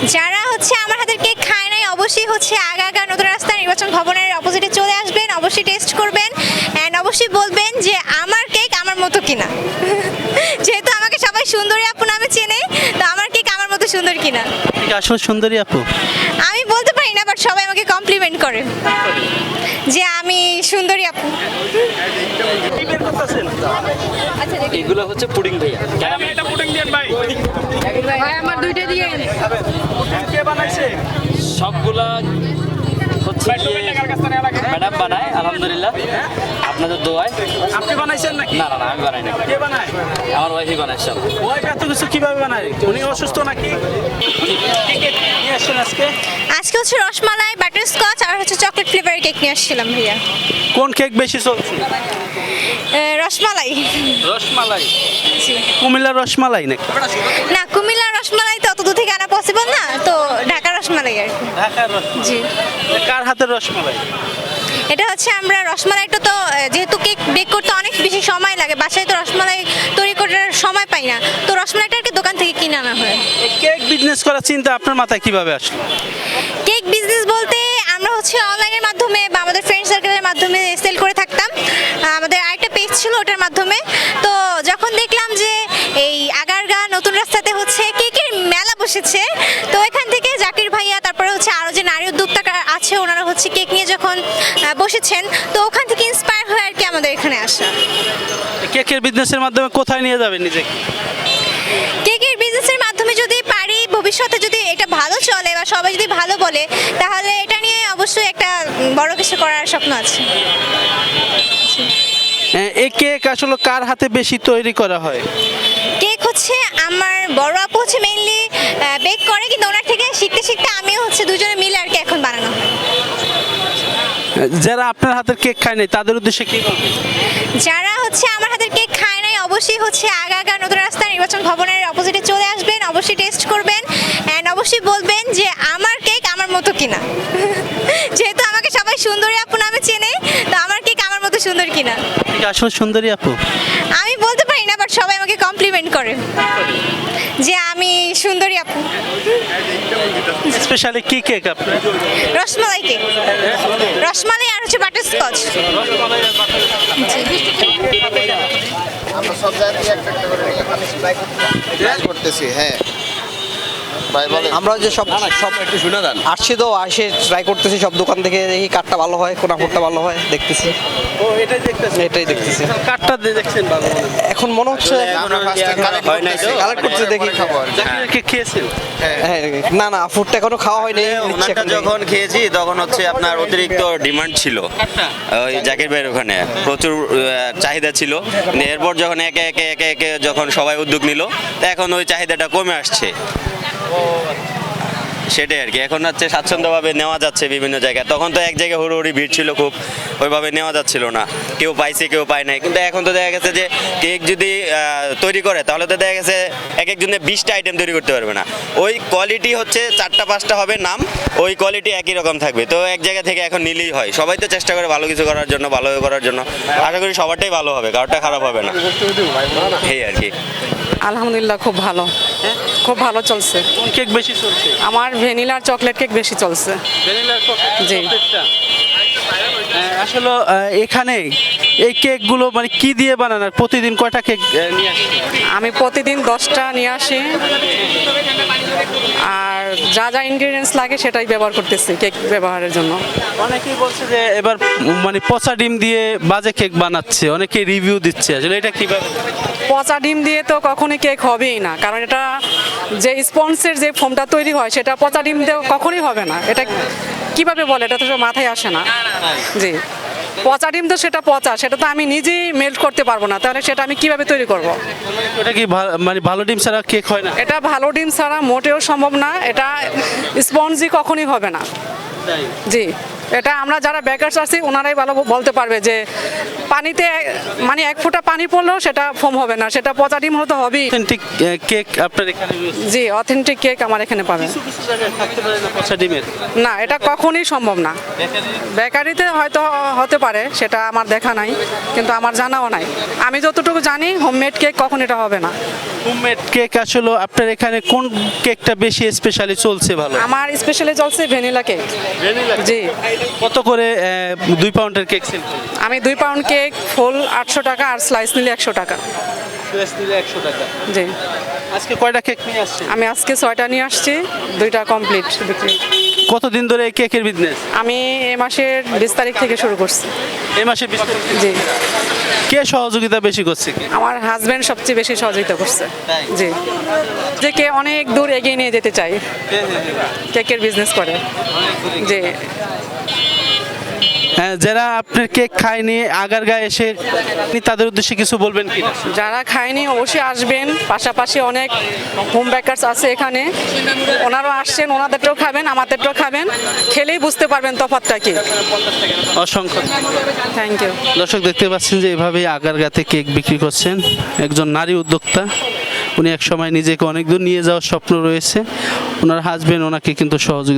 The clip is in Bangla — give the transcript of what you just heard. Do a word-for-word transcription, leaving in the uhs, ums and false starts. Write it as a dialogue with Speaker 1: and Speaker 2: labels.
Speaker 1: যারা হচ্ছে আমার হাতের কেক খায় নাই অবশ্যই হচ্ছে আগা আগা নতুন রাস্তা নির্বাচন ভবনের অপোজিটে চলে আসবেন, অবশ্যই টেস্ট করবেন অ্যান্ড অবশ্যই বলবেন যে আমার কেক আমার মতো কিনা। যেহেতু আমাকে সবাই সুন্দরী আপু নামে চেনে, তো আমার কেক আমার মতো সুন্দর কিনা।
Speaker 2: ঠিক আসলে সুন্দরী আপু।
Speaker 1: আমি বলতে পারি না, বাট সবাই আমাকে কমপ্লিমেন্ট করে যে আমি সুন্দরী আপু।
Speaker 3: এগুলো হচ্ছে পুডিং ভাইয়া।
Speaker 4: এটা পুডিং দেন ভাই।
Speaker 5: ভাই আমার দুইটা দিয়ে
Speaker 4: কে বানাইছে?
Speaker 3: সবগুলা হচ্ছে
Speaker 4: ভাই টোকেন টাকার কাছে নেওয়া লাগে।
Speaker 3: ম্যাডাম বানায় আলহামদুলিল্লাহ, আপনাদের দোয়ায়।
Speaker 4: আপনি বানাইছেন নাকি?
Speaker 3: না না না আমি বানাই না,
Speaker 4: কে বানায়?
Speaker 3: আমার ওয়াইফই বানায় সব।
Speaker 4: ওই এত কিছু কিভাবে বানায়? উনি অসুস্থ নাকি? কি কেক নিয়ে আসছেন আজকে?
Speaker 1: আজকে হচ্ছে রসমালাই, বাটার স্কচ আর হচ্ছে চকলেট ফ্লেভারের কেক নিয়ে আসছিলাম ভাইয়া।
Speaker 4: কোন কেক বেশি চলছে?
Speaker 1: এ, রসমালাই।
Speaker 4: রসমালাই। কুমিল্লার রসমালাই নাকি?
Speaker 1: না, কুমিল্লার রসমালাই তো অত দূর থেকে আনা পসিবল না, তো ঢাকার রসমালাই আর কি।
Speaker 4: ঢাকার রসমালাই।
Speaker 1: জি।
Speaker 4: কার হাতের রসমালাই?
Speaker 1: এটা হচ্ছে আমরা রসমালাইটা তো আহ, যেহেতু কেক বেক করতে অনেক বেশি সময় লাগে, বাসায় তো রসমালাই তৈরি করার সময় পাই না, তো রসমালাইটা আর কি দোকান থেকে কিনে আনা হয়।
Speaker 4: এই কেক বিজনেস করার চিন্তা আপনার মাথায় কিভাবে আসলো?
Speaker 1: কেক বিজনেস বলতে আমরা হচ্ছে অনলাইনের মাধ্যমে বা আমাদের ফ্রেন্ড সার্কেলের মাধ্যমে সেল করে থাকতাম। আহ, আমাদের আরেকটা পেজ ছিল ওটার মাধ্যমে। তো যখন দেখলাম যে এই আগারগা নতুন রাস্তাতে হচ্ছে কেকের মেলা বসেছে, তো এখান থেকে জাকির ভাইয়া, তারপরে হচ্ছে আরও যে নারী উদ্যোক্তা আছে ওনারা হচ্ছে কেক নিয়ে যখন আহ, বসেছেন, তো ওখান থেকে ইন্সপায়ার হয়ে আর কি আমাদের এখানে আসা।
Speaker 4: এই কেকের বিজনেসের মাধ্যমে কোথায় নিয়ে যাবেন নিজেকে?
Speaker 1: কেকের বিজনেসের মাধ্যমে যদি পারি, ভবিষ্যতে যদি এটা ভালো চলে বা সবাই যদি ভালো বলে, তাহলে এটা নিয়ে অবশ্যই একটা উম, বড় কিছু করার স্বপ্ন আছে।
Speaker 4: হ্যাঁ, এই কেক আসলে কার হাতে বেশি তৈরি করা হয়?
Speaker 1: কেক হচ্ছে আমার বড় আপু হচ্ছে মেইনলি বেক করে, কিন্তু ওনার থেকে শিখতে শিখতে আমিও হচ্ছে দুজনে মিলে আর কি এখন বানানো হয়।
Speaker 4: যারা আপনার হাতের কেক খায় নাই তাদের উদ্দেশ্যে কি বলবেন?
Speaker 1: যারা হচ্ছে আমার হাতের কেক খায় নাই অবশ্যই হচ্ছে আগা আগা নতুন রাস্তা নির্বাচন ভবনের অপোজিটে চলে আসবেন, অবশ্যই টেস্ট করবেন অ্যান্ড অবশ্যই বলবেন যে আমার কেক আমার মতো কিনা। যেহেতু আমাকে সবাই সুন্দরী আপু নামে চেনে, তো আমার কেক আমার মতো সুন্দর কিনা।
Speaker 4: ঠিক আসলে সুন্দরী আপু।
Speaker 1: আমি বলতে পারি না, বাট সবাই আমাকে কমপ্লিমেন্ট করে যে আমি সুন্দরী আপু।
Speaker 4: স্পেশালি কি কেক আপনার?
Speaker 1: রসমালাই কেক, রসমালাই আর হচ্ছে বাটার স্কচ।
Speaker 6: আমরা সব জায়গায় একটা একটা করে ট্রাই করতেছি। হ্যাঁ ভাই বলেন।
Speaker 7: আমরা যে সব সব
Speaker 3: একটু শুনে দেন।
Speaker 7: আসছি তো আসে ট্রাই করতেছি সব দোকান থেকে, দেখি কাঠটা ভালো হয়, কোন কাপড়টা ভালো হয় দেখতেছি,
Speaker 4: ও এটাই দেখতেছেন?
Speaker 7: এটাই দেখতেছি।
Speaker 4: কাঠটা দিয়ে দেখছেন ভালো মনে হয়।
Speaker 7: এখন মনে হচ্ছে
Speaker 6: আমরা ফার্স্টে কালেক্ট
Speaker 3: হয় নাই তো?
Speaker 6: করতেছি,
Speaker 7: কালেক্ট করতে দেখি
Speaker 6: খাবো আর কি।
Speaker 4: জাকিরের কেক খেয়েছেন?
Speaker 7: হ্যাঁ, না না ফুডটা এখনো খাওয়া হয়নি, নিচ্ছি
Speaker 8: ওনারটা
Speaker 7: এখন দেখি।
Speaker 8: যখন খেয়েছি তখন হচ্ছে আপনার অতিরিক্ত ডিমান্ড ছিল ওই জাকির ভাইয়ের ওখানে, প্রচুর আহ, চাহিদা ছিল। কিন্তু এরপর যখন একে একে একে একে যখন সবাই উদ্যোগ নিল, তা এখন ওই চাহিদাটা কমে আসছে। সেটাই আর কি, এখন হচ্ছে স্বাচ্ছন্দ্যভাবে নেওয়া যাচ্ছে বিভিন্ন জায়গায়। তখন তো এক জায়গায় হুড়োহুড়ি ভিড় ছিল খুব, ওইভাবে নেওয়া যাচ্ছিল না, কেউ পাইছে কেউ পায় নাই। কিন্তু এখন তো দেখা গেছে যে কেক যদি আহ, তৈরি করে তাহলে তো দেখা গেছে এক একজনে বিশটা আইটেম তৈরি করতে পারবে না। ওই কোয়ালিটি হচ্ছে চারটা পাঁচটা হবে নাম, ওই কোয়ালিটি একই রকম থাকবে। তো এক জায়গা থেকে এখন নিলেই হয়, সবাই তো চেষ্টা করে ভালো কিছু করার জন্য, ভালো করার জন্য। আশা করি সবারটাই ভালো হবে, কারোরটা খারাপ হবে না, এই আর কি।
Speaker 5: আলহামদুলিল্লাহ খুব ভালো, খুব ভালো চলছে।
Speaker 4: কোন কেক বেশি চলছে?
Speaker 5: আমার ভ্যানিলার চকলেট কেক বেশি চলছে।
Speaker 4: ভ্যানিলার
Speaker 5: জি।
Speaker 4: চকলেটটা? হ্যাঁ, আসলে আহ, এখানে এই কেকগুলো মানে কি দিয়ে বানান আর প্রতিদিন কয়টা কেক আহ, নিয়ে আসেন?
Speaker 5: আমি প্রতিদিন দশটা নিয়ে আসি, আর যা যা ইনগ্রিডিয়েন্টস লাগে সেটাই ব্যবহার করতেছি কেক ব্যবহারের জন্য।
Speaker 4: অনেকেই বলছে যে এবার উম, মানে পচা ডিম দিয়ে বাজে কেক বানাচ্ছে, অনেকে রিভিউ দিচ্ছে, আসলে এটা কিভাবে?
Speaker 5: পচা ডিম দিয়ে তো কখনোই কেক হবেই না, কারণ এটা যে স্পঞ্জের যে ফোমটা তৈরি হয় সেটা পচা ডিম দিয়ে কখনোই হবে না। এটা কিভাবে বলে, এটা তো সব মাথায় আসে না। জি, পচা ডিম তো সেটা পচা, সেটা তো আমি নিজেই মেল্ট করতে পারবো না, তাহলে সেটা আমি কিভাবে তৈরি করব?
Speaker 4: ওটা কি ভা- মানে ভালো ডিম ছাড়া কেক হয় না?
Speaker 5: এটা ভালো ডিম ছাড়া মোটেও সম্ভব না, এটা স্পঞ্জি কখনোই হবে না। জি, এটা আমরা যারা বেকারস আছি ওনারাই ভালো বলতে পারবে যে পানিতে মানে এক ফোঁটা পানি পড়লেও সেটা ফোম হবে না, সেটা পচা ডিম হতে হবেই।
Speaker 4: অথেন্টিক কেক আপনার এখানে রয়েছে?
Speaker 5: জি, অথেন্টিক কেক আমার এখানে পাবেন।
Speaker 4: কিছু কিছু জায়গায় থাকতে পারে না পচা ডিমের।
Speaker 5: না, এটা কখনোই সম্ভব না। বেকারিতে হয়তো হতে পারে, সেটা আমার দেখা নাই, কিন্তু আমার জানাও নাই। আমি যতটুকু জানি হোমমেড কেক কখন এটা হবে না।
Speaker 4: হোমমেড কেক আসলে আপনার এখানে কোন কেকটা বেশি স্পেশালি চলছে ভালো?
Speaker 5: আমার স্পেশালি চলছে ভ্যানিলা কেক। জি।
Speaker 4: কত করে আহ, দুই পাউন্ডের কেক সেল করেন?
Speaker 5: আমি দুই পাউন্ড কেক ফুল আটশো টাকা আর স্লাইস নিলে একশো টাকা।
Speaker 4: প্রেস নিলে একশো টাকা।
Speaker 5: জি।
Speaker 4: আজকে কয়টা কেক নিয়ে আসছেন?
Speaker 5: আমি আজকে ছয়টা নিয়ে আসছি, দুইটা কমপ্লিট বিক্রি।
Speaker 4: কতদিন ধরে এই কেকের বিজনেস?
Speaker 5: আমি এ মাসের বিশ তারিখ থেকে শুরু করছি।
Speaker 4: এই মাসে বিশ তারিখ?
Speaker 5: জি।
Speaker 4: কে সহযোগিতা বেশি করছে কি?
Speaker 5: আমার হাজব্যান্ড সবচেয়ে বেশি সহযোগিতা করছে। জি। যে কে অনেক দূর এগিয়ে নিয়ে যেতে চাই, কেকের বিজনেস করে। জি।
Speaker 4: হ্যাঁ, যারা আপনার কেক খায়নি আগারগাঁয়ে এসে আপনি তাদের উদ্দেশ্যে কিছু বলবেন কি?
Speaker 5: যারা খায়নি অবশ্যই আসবেন, পাশাপাশি অনেক হোম বেকারস আছে এখানে, ওনারাও আসছেন, ওনাদেরটাও খাবেন, আমাদেরটাও খাবেন, খেলেই বুঝতে পারবেন তফাৎটা কি।
Speaker 4: অসংখ্য
Speaker 5: থ্যাংক ইউ।
Speaker 4: দর্শক দেখতে পাচ্ছেন যে এভাবেই আগারগাঁতে কেক বিক্রি করছেন একজন নারী উদ্যোক্তা। উনি এক সময় নিজেকে অনেক দূর নিয়ে যাওয়ার স্বপ্ন রয়েছে, ওনার হাজবেন্ড ওনাকে কিন্তু সহযোগিতা